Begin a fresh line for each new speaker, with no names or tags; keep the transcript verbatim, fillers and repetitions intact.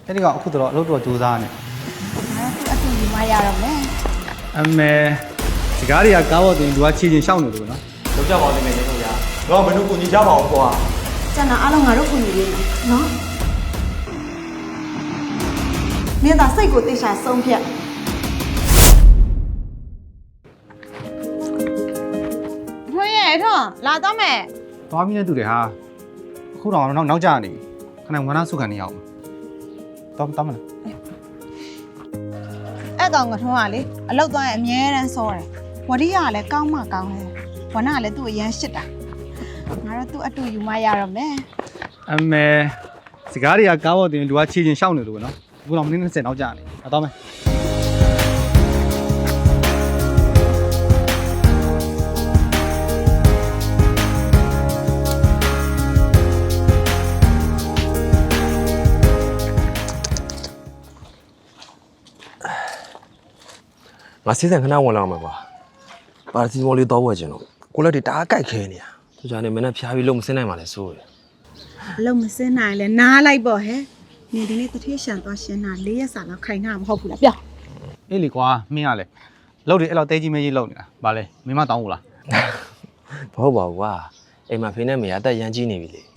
အဲ့ဒီကောင်အခုတော့အလုပ်တော့ကြိုးစားနေ
ငါတို့အတူယူမရတော့မယ်
အမေစကားတွေကကားပေါ်တင်လူကခြေချင်းရှောက်နေလို့နော်
လောက်ကြပါဦးတကယ်ချင်းတို့ရတော့မင်းတို့ကိုကြီးကြပါအောင်ကွာ
ကျန်တာအားလုံးငါတို့ကိုယူလေးနော်နေသာစိတ်ကိုတိတ်ချဆုံးဖြတ်ထွေးရဲ့ထွန်းလာတော့မယ်
သွားပြီးနေတူတယ်ဟာအခုတော့နောက်နောက်ကျနေပြီခဏဝမ်းနာစုခံနေရအောင်တော့တော့မလား
အဲ့ကောင်ကထွန်းကလေအလောက်သွားရင်အမြဲတမ်းစောတယ်ဝရီကလည်းကောင်းမှကောင်းတယ်ဝနာကလည်းသူ့အရန်ရှစ်တာငါတို့သူ့အတူယူမရတော့မယ်
အမေစကားတွေကကားပေါ်တင်လူကခြေချင်းရှောက်နေလို့နော်အခုတော့မိနစ်၂၀နောက်ကျနေအတော့မယ်
ငါစီးစံခဏဝင်လာမှာကွာပါစီမော်လေးတော့ဝယ်ချင်တော့ကိုလက်တွေတအားကြိုက်ခဲနေရသူကြနေမနဲ့ဖျားပြီးလုံးမစင်းနိုင်ပါလေစိုးရ
အလုံးမစင်းနိုင်လဲနားလိုက်ပေါ့ဟဲ့နေဒီနေ့တထေးရှန်သွားရှင်းတာ၄ရက်စာလောက်ခိုင်တာမဟုတ်ဘူးလားပြော
အေးလေကွာမင်းကလေလောက်တယ်အဲ့လောက်တဲကြီးမဲကြီးလောက်နေတာဗာလေမင်းမတောင်းဘူးလား
မဟုတ်ပါဘူးကွာအိမ်မှာဖေးနဲ့မေကအသက်ရမ်းကြီးနေပြီလေ